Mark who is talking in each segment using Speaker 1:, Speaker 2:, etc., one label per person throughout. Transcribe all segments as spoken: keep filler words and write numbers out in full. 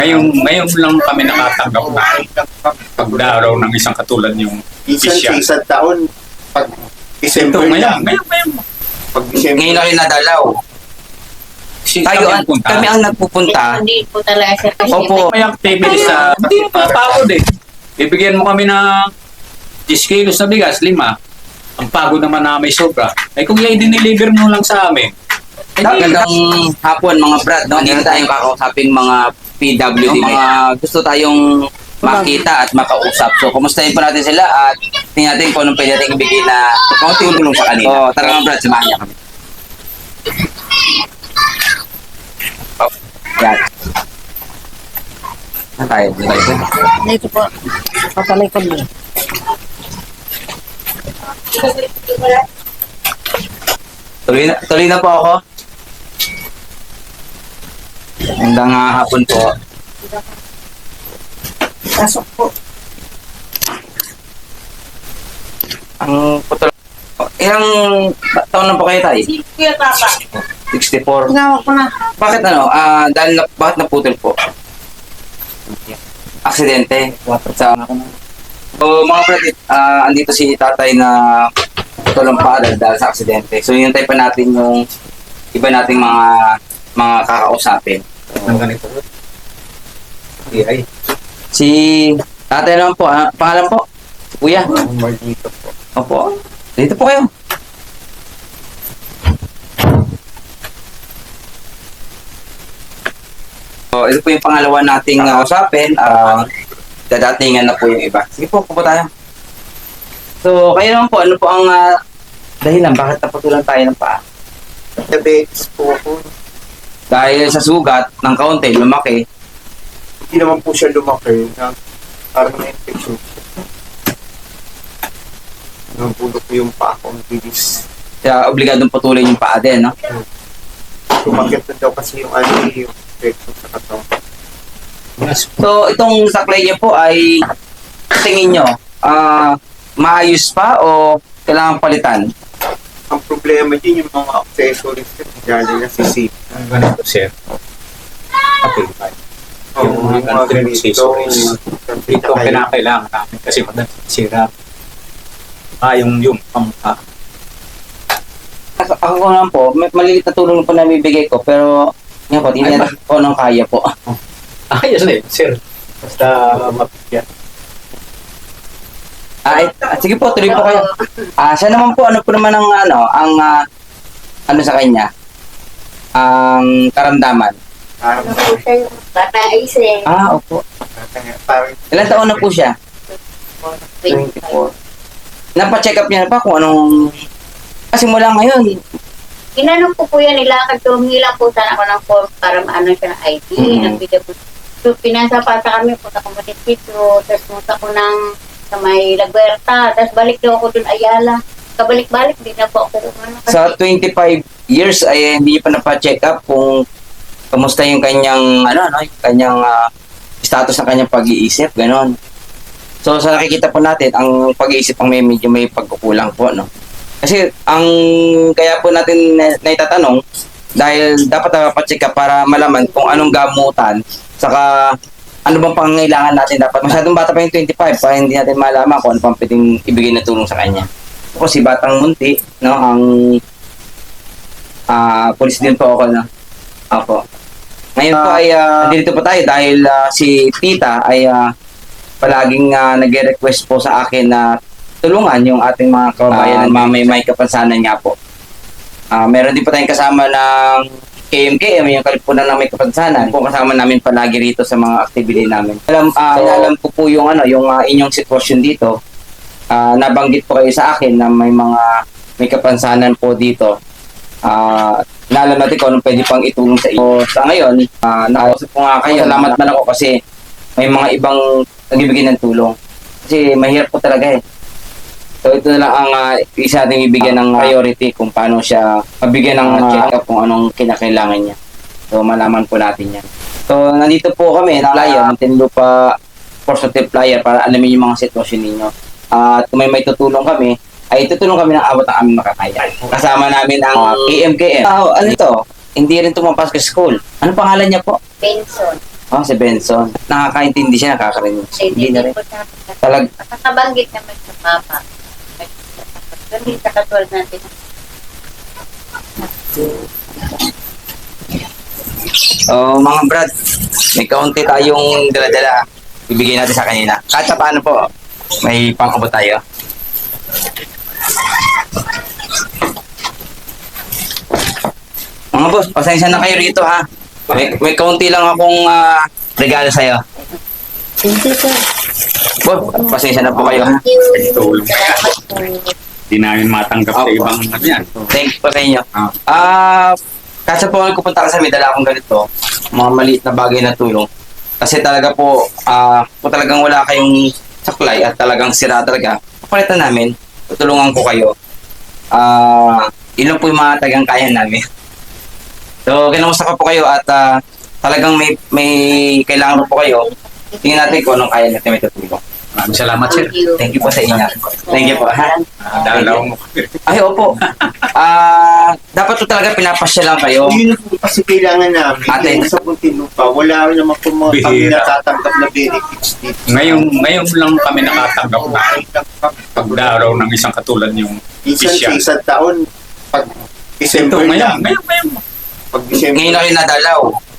Speaker 1: Ngayon, ngayon lang kami nakatanggap na pagdaraw ng isang katulad yung
Speaker 2: Minsan sa
Speaker 1: official.
Speaker 2: isang taon, pag
Speaker 1: Ito,
Speaker 2: December
Speaker 1: ngayon,
Speaker 2: lang.
Speaker 1: ngayon, ngayon.
Speaker 2: Pag December,
Speaker 3: Ngayon na rin nadalaw.
Speaker 1: Si,
Speaker 3: Tayo,
Speaker 1: kami
Speaker 3: ang,
Speaker 1: ang punta.
Speaker 3: kami ang nagpupunta.
Speaker 4: Hindi po talaga siya kasi
Speaker 3: Opo.
Speaker 1: May activities sa... Hindi mo mapapagod eh. Bibigyan mo kami ng ten kilos na bigas, lima. Ang pagod naman na may sobra. Ay kung yan diniliver mo lang sa amin. Eh, di-
Speaker 3: Magandang hapon mga brad, no? Dito tayong kakausapin mga P W D, mga gusto tayong makita at makausap. So, kumustahin po natin sila at tingnan natin kung anong pwede natin ibigay na kaunting tulong sa kanila. Oh, tara mga brad, samahan niya kami. Oh, yan. Saan tayo? Dito tayo.
Speaker 4: Dito po. Papalikod niya.
Speaker 3: Tuloy na, tuloy na po ako. Magandang ah, hapon po.
Speaker 4: Pasok po.
Speaker 3: Ang putol... Ilang ta- taon na po kayo tayo?
Speaker 4: Si Kuya Papa.
Speaker 3: sixty-four.
Speaker 4: Tingawag ko na.
Speaker 3: Bakit ano? Ah, dahil na, bakit naputol po? Aksidente. Sa So, mga brother, ah, andito si tatay na putol ang paa dahil dahil sa aksidente. So, hinintay pa natin yung iba nating mga mga kakausapin.
Speaker 1: Ang ganito. Ay,
Speaker 3: Si tatay naman po, ah, pangalan po? Kuya.
Speaker 2: Margito po.
Speaker 3: Opo. Dito po kayo. So, ito po yung pangalawa nating uh, usapin. Uh, dadatingan na po yung iba. Sige po, po tayo. So, kayo naman po, ano po ang uh, dahilan? Bakit naputulan tayo ng paa?
Speaker 2: Diabetes po ako.
Speaker 3: Dahil sa sugat ng kaunti, lumaki.
Speaker 2: Hindi naman po siya lumaki. Na, parang na-infection. Nabulok ko yung paa ko. Ang bilis.
Speaker 3: Kaya obligadong putulin yung paa din, no?
Speaker 2: Tumagat na daw kasi yung ano yung infection sa katawan.
Speaker 3: So, itong saklay niyo po ay tingin nyo, ah, maayos pa o kailangan palitan?
Speaker 2: Ang problema din yung mga accessories ko. Galing na si Sip.
Speaker 1: ang ganito, sir. Okay, fine. Yung mga ganito accessories. Ito ang kinakailangan namin kasi madalas sira. Ah, yung yung pamukha.
Speaker 3: Ako, ako naman po, may maliliit na tulong po na bibigay ko, pero nga po, tingnan natin po ng kaya po.
Speaker 1: Ayos na yun, sir. Basta mapigyan.
Speaker 3: Ah, eh, ah, sige po, tuloy po kayo. Ah, siya naman po, ano po naman ang, ano, ang, ah, ano sa kanya? Ang karamdaman.
Speaker 2: Parang
Speaker 4: Bata Aise.
Speaker 3: Ah, opo.
Speaker 2: parang
Speaker 3: Ilan taon na po siya? twenty-four. Napa-check up niya na pa kung anong... Kasi mula ngayon,
Speaker 4: Inanong ko po yan, nilakad ko, humilang po sana ako ng form para maano siya ng I D.
Speaker 3: Mhm.
Speaker 4: Nagbigay po. So, pinasa pa sa kami, punta ko Munisipyo, tapos punta ko ng sa may Lagwerta, tapos balik daw ako dun Ayala. Kabalik-balik, di na po ako umano. Kasi,
Speaker 3: sa twenty-five years ay hindi niya pa napa-check up kung kamusta yung kanyang, ano, ano, yung kanyang ah, status ng kanyang pag-iisip, ganon. So, sa nakikita po natin, ang pag-iisip ang may medyo may pagkukulang po, no? Kasi, ang kaya po natin na, naitatanong, dahil dapat napapacheck up para malaman kung anong gamutan, saka ano bang pangangailangan natin dapat. Masyadong bata pa yung twenty-five, para hindi natin malaman kung ano pang pwedeng ibigay na tulong sa kanya. Kasi batang munti, no, ang ah police din po ako, no? Apo. Ngayon po ay uh, dito po tayo dahil ah, si tita ay ah, palaging uh, nag-request po sa akin na tulungan yung ating mga kababayan na may may kapansanan nga po. Ah, meron din po tayong kasama ng K M K M, yung Kalipunan ng May Kapansanan. Po kasama namin palagi rito sa mga activity namin. Alam, ah, alam ko po yung ano, yung ah, inyong sitwasyon dito. Ah, nabanggit po kayo sa akin na may mga may kapansanan po dito. Ah, naalam natin kung anong pwede pang itulong sa inyo. Sa ngayon, ah, nakausap po nga kayo. Salamat man ako kasi may mga ibang nagbibigay ng tulong. Kasi mahirap po talaga eh. So ito na lang ang uh, isa natin ibigyan ng priority kung paano siya mabigyan ng uh, check-up kung anong kinakailangan niya. So malaman po natin yan. So nandito po kami ng flyer, ng Tinlupa Positive Flyer para alamin yung mga sitwasyon ninyo. At uh, kung may may tutulong kami, ay tutulong kami ng abot ng aming makakaya. Kasama namin ang uh, K M K M. Oh, ano ito? Hindi rin tumapasok sa school. Ano pangalan niya po?
Speaker 4: Benson.
Speaker 3: Oh, si Benson. Nakakaintindi siya, nakakarinig.
Speaker 4: Kasi
Speaker 3: Hindi
Speaker 4: hindi
Speaker 3: na rin.
Speaker 4: po siya.
Speaker 3: Talag,
Speaker 4: Nakakabanggit naman sa papa. Hindi sa katulad natin.
Speaker 3: oh, mga brad, may kaunti tayong dala-dala. Ibigay natin sa kanila. Kahit sa paano po, may pang-abot tayo. Mga boss, pasensya na kayo rito ha. May, may kaunti lang akong ah, regalo sa'yo.
Speaker 4: Thank you, sir.
Speaker 3: Boss, pasensya na po kayo ha.
Speaker 4: Thank you.
Speaker 1: Tulong.
Speaker 4: Salamat po.
Speaker 1: Hindi namin matanggap sa
Speaker 3: Opo.
Speaker 1: ibang ano yan.
Speaker 3: Thank you po sa inyo.
Speaker 1: Ah.
Speaker 3: Ah, kasi po ako pupunta kasi may dala akong ganito, mga maliit na bagay na tulong. Kasi talaga po, ah, kung talagang wala kayong saklay at talagang sira talaga, papalitan namin, tutulungan ko kayo. Ah, yun lang po yung mga tagang kaya namin. So, kinamusta ko po kayo at ah, talagang may may kailangan po kayo. Tingnan natin kung anong kaya natin may tutulong.
Speaker 1: Maraming salamat, sir.
Speaker 4: Thank you.
Speaker 3: Thank you po sa inyo. Thank you po. Ha?
Speaker 1: Ah, dalaw mo.
Speaker 3: Ay, opo. Ah, dapat po talaga pinapasya lang kayo.
Speaker 2: Yun po kasi kailangan namin.
Speaker 3: Ate.
Speaker 2: Yung sa Muntinlupa, wala rin naman po mga kami
Speaker 1: Bihira.
Speaker 2: natatanggap na benefits dito.
Speaker 1: Ngayon, ngayon lang kami nakatanggap na pagdaraw ng isang katulad yung
Speaker 2: Minsan sa
Speaker 1: official.
Speaker 2: isang taon, pag
Speaker 1: Ito,
Speaker 2: December
Speaker 1: ngayon,
Speaker 2: lang.
Speaker 1: ngayon, ngayon.
Speaker 2: Pag December,
Speaker 3: Ngayon na rin nadalaw.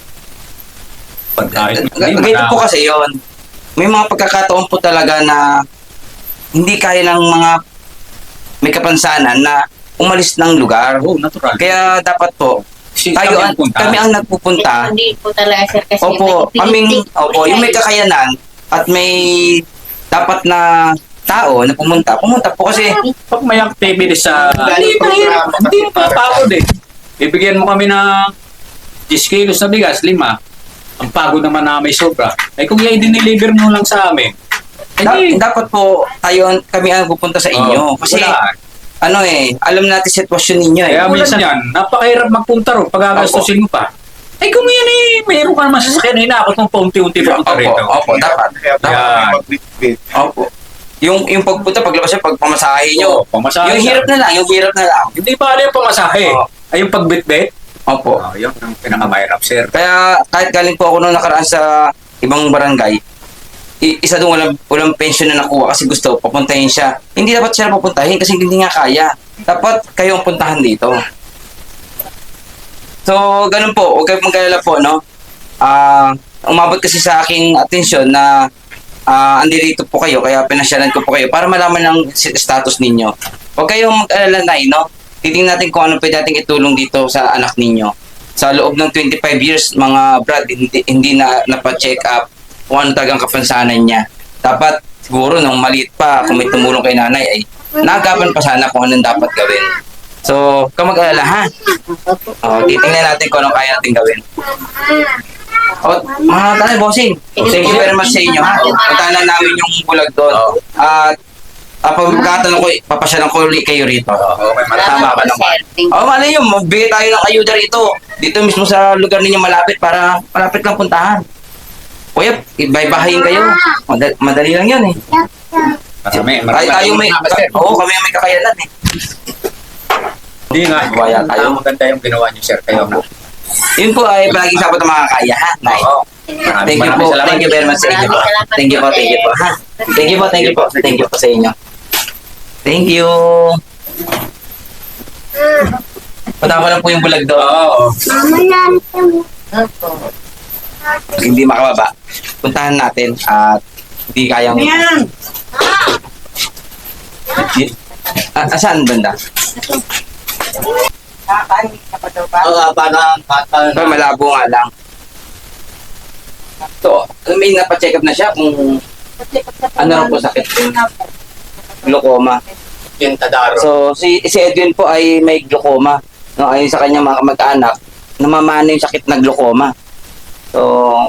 Speaker 1: Pag kahit
Speaker 3: G- Ganito po kasi yon. May mga pagkakataon po talaga na hindi kaya ng mga may kapansanan na umalis ng lugar.
Speaker 1: Oh, natural.
Speaker 3: Kaya dapat po,
Speaker 1: Kasi
Speaker 3: tayo,
Speaker 1: kami
Speaker 3: ang,
Speaker 1: ang punta.
Speaker 3: kami ang nagpupunta.
Speaker 4: Hindi po talaga, sir. Kasi
Speaker 3: Opo,
Speaker 4: may
Speaker 3: kaming,
Speaker 4: pinitik.
Speaker 3: opo, yung may kakayanan at may dapat na tao na pumunta, pumunta po kasi
Speaker 1: Pag may activities sa...
Speaker 2: Galing
Speaker 1: Hindi mahirap.
Speaker 2: programa.
Speaker 1: Hindi mapapagod eh. Ibigyan mo kami ng ten kilos na bigas, lima. Ang pagod naman na may sobra. Ay kung yan dineliver mo lang sa amin.
Speaker 3: da-
Speaker 1: Hindi.
Speaker 3: dapat po tayo, kami ang pupunta sa inyo.
Speaker 1: Oh,
Speaker 3: Kasi
Speaker 1: wala.
Speaker 3: ano eh, alam natin sitwasyon ninyo eh.
Speaker 1: Kaya minsan yan, napakahirap magpunta ro pag gagastusin mo pa. Ay kung yan eh, mayroon ka naman sasakyan, hinakot mo paunti-unti papunta
Speaker 3: Opo,
Speaker 1: rito.
Speaker 3: opo, dapat.
Speaker 2: kaya
Speaker 3: dapat.
Speaker 1: Yan.
Speaker 2: mag-bitbit.
Speaker 3: Opo. Yung yung pagpunta, paglabas niya, pagpamasahe nyo.
Speaker 1: Oo, pamasahe
Speaker 3: Yung
Speaker 1: siya.
Speaker 3: hirap na lang, yung hirap na lang.
Speaker 1: Hindi pa alam yung pamasahe.
Speaker 3: Oo.
Speaker 1: Ay yung pagbitbit.
Speaker 3: Opo.
Speaker 1: Oh, yun ang pinakamahirap, sir.
Speaker 3: Kaya kahit galing po ako nung nakaraan sa ibang barangay, i- isa doon walang, walang pension na nakuha kasi gusto papuntahin siya. Hindi dapat siya papuntahin kasi hindi nga kaya. Dapat kayo ang puntahan dito. So, ganun po. Huwag kayong mag-alala po, no? Ah, umabot kasi sa aking atensyon na ah andirito po kayo, kaya pinasyalan ko po kayo para malaman ang si- status ninyo. Huwag kayong mag-alala na, no? Titingnan natin kung ano pwede nating itulong dito sa anak ninyo. Sa loob ng twenty-five years, mga brad, hindi, hindi na napacheck up kung ano talagang kapansanan niya. Dapat siguro nung maliit pa, kung may tumulong kay nanay, ay nagapan pa sana kung anong dapat gawin. So, huwag kang mag-alala, ha? O, titingnan natin kung anong kaya natin gawin. O, mga tanay, bossing. Thank you very much sa inyo, ha? Puntahan na namin yung bulag doon. At, uh, pag magkakatanong ko, papasyalan ko ulit kayo rito.
Speaker 1: Okay,
Speaker 3: Tama ka naman. Oh, malay nyo, magbigay tayo ng ayuda rito. Dito mismo sa lugar ninyo malapit para malapit lang puntahan. Kuya, ibay-bahayin kayo. Madali, madali lang yan eh.
Speaker 1: Marami,
Speaker 3: Tayo,
Speaker 1: marami.
Speaker 3: tayo may, oo, kami may kakayanan eh.
Speaker 1: Hindi nga.
Speaker 3: Wala tayo.
Speaker 1: Ang maganda yung ginawa niyo, sir. Kayo na.
Speaker 3: Yun po ay palagi sa ng mga kaya, ha? Nay.
Speaker 1: Oo.
Speaker 3: Thank you po. Thank you very much sa inyo. Thank you po, thank you po. Ha? Thank you po, thank you po. Thank you po sa inyo. Thank you. Punta ko lang po yung bulag doon.
Speaker 1: Oo.
Speaker 4: Opo.
Speaker 3: Hindi makababa. Puntahan natin at hindi kayang... Ah, asan banda?
Speaker 2: Oo, parang
Speaker 3: Pero malabo nga lang. So, may napacheck up na siya kung ano raw po sakit. Glaucoma.
Speaker 2: yung tadaro.
Speaker 3: So, si, si Edwin po ay may glaucoma. No, ayon sa kanyang mga mag-anak, namamana yung sakit na glaucoma. So,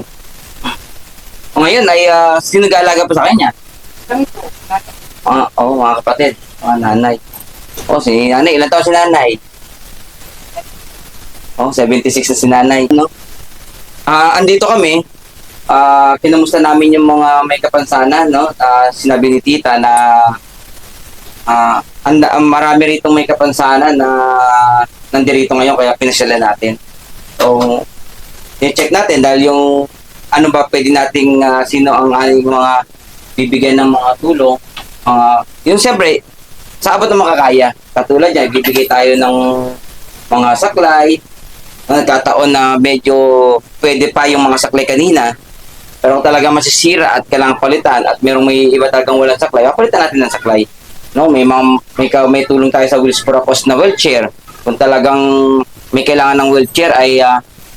Speaker 3: ngayon ay uh, sino nag-aalaga po sa kanya? Ah, oo, mga kapatid, mga nanay. Oh, si nanay, ilan taon si nanay? Oh, seventy-six na si nanay, no? Ah, andito kami. Ah, kinamusta namin yung mga may kapansanan, no? Ah, sinabi ni tita na ah, anda, ang marami rito may kapansanan na nandirito ngayon kaya pinasyalan natin. So, i-check natin dahil yung ano ba pwede nating, ah, sino ang ating mga bibigyan ng mga tulong. Uh, yun siyempre, sa abot ng makakaya. Katulad yan, bibigay tayo ng mga saklay. Nagkataon na medyo pwede pa yung mga saklay kanina. Pero kung talaga masisira at kailangan palitan at merong may iba talagang walang saklay, palitan natin ng saklay. No, may mga, may, ka- may tulong tayo sa Wheels for a Cause na wheelchair. Kung talagang may kailangan ng wheelchair ay uh,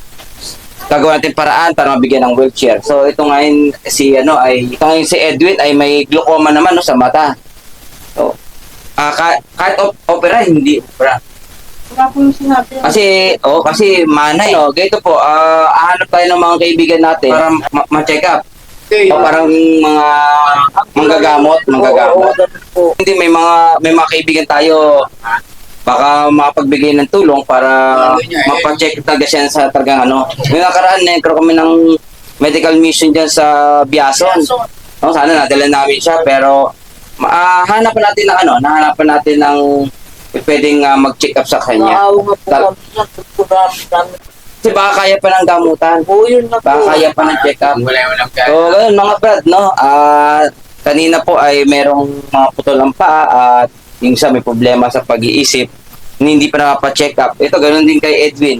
Speaker 3: gagawin natin paraan para mabigyan ng wheelchair. So ito ngayon si ano ay ito ngayon si Edwin ay may glaucoma naman no sa mata. So ah ka, kahit op- opera hindi opera.
Speaker 5: Wala po yung sinabi.
Speaker 3: Kasi oh kasi manay no. Ganito po ah hahanap tayo ng mga kaibigan natin para ma- ma-check up. O parang mga manggagamot, manggagamot. Hindi may mga may mga kaibigan tayo baka makapagbigay ng tulong para mapacheck talaga siya sa talagang ano. May nakaraan na nagkaroon kami ng medical mission dyan sa Biason. No, sana nadala namin siya pero uh, hanapan natin ng ano, nahanapan natin ng pwedeng uh, mag-check up sa kanya.
Speaker 5: Naawa nga po
Speaker 3: Tal-
Speaker 5: kami sa pagkurami kami.
Speaker 3: Kasi baka kaya pa ng gamutan.
Speaker 5: Oo, yun na po.
Speaker 3: Baka kaya pa ng check up.
Speaker 1: Wala mo lang
Speaker 3: So, ganun mga brad, no? Ah, kanina po ay merong mga putol ang paa at yung isa may problema sa pag-iisip, hindi pa nakapa-check up. Ito, ganun din kay Edwin.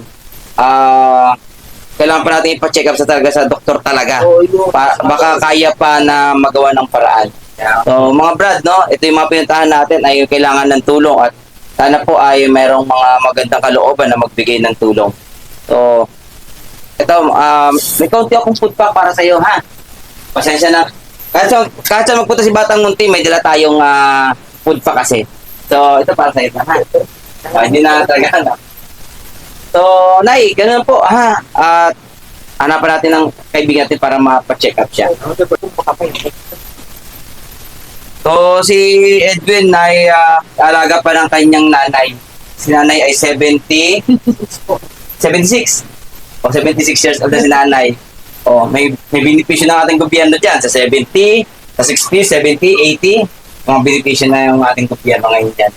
Speaker 3: Ah, kailangan pa natin ipa-check up sa talaga sa doktor talaga.
Speaker 5: Oo, yun.
Speaker 3: Pa- baka kaya pa na magawa ng paraan. So, mga brad, no? Ito yung mga pinuntahan natin ay kailangan ng tulong at sana po ay merong mga magandang kalooban na magbigay ng tulong. So, ito, um, may kaunti akong food pack para sa iyo, ha? Pasensya na. Kahit sa, kahit sa magpunta si Batang Munti, may dala tayong ah, food pack kasi. So, ito para sa iyo, ha? Ah, hindi na talaga, na. So, Nay, ganun po, ha? At hanapan natin ng kaibigan natin para mapa-check up siya. So, si Edwin ay ah, alaga pa ng kanyang nanay. Si nanay ay seventy, seventy-six. O, seventy-six years old na si nanay. O, may, may benepisyo ng ating gobyerno dyan sa seventy, sa sixty, seventy, eighty. Mga benepisyo na yung ating gobyerno ngayon dyan.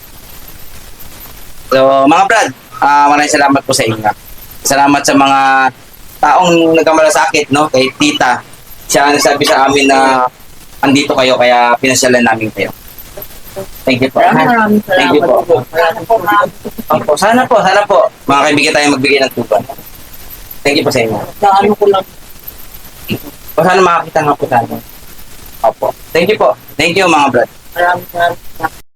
Speaker 3: So, mga brad, ah maraming salamat po sa inyo. Salamat sa mga taong nagkamalasakit, no? Kay tita. Siya ang nagsabi sa amin na andito kayo, kaya pinasyalan namin kayo. Thank you po.
Speaker 5: Maraming
Speaker 3: Thank you
Speaker 5: salamat
Speaker 3: po.
Speaker 5: po. Maraming po, ma'am.
Speaker 3: Opo, sana po, sana po. Mga kaibigan tayo magbigay ng tuban. Thank you po sa inyo.
Speaker 5: Na ano ko lang.
Speaker 3: O sana makakita nga po tayo. Opo. Thank you po. Thank you mga brad.
Speaker 5: Maraming salamat.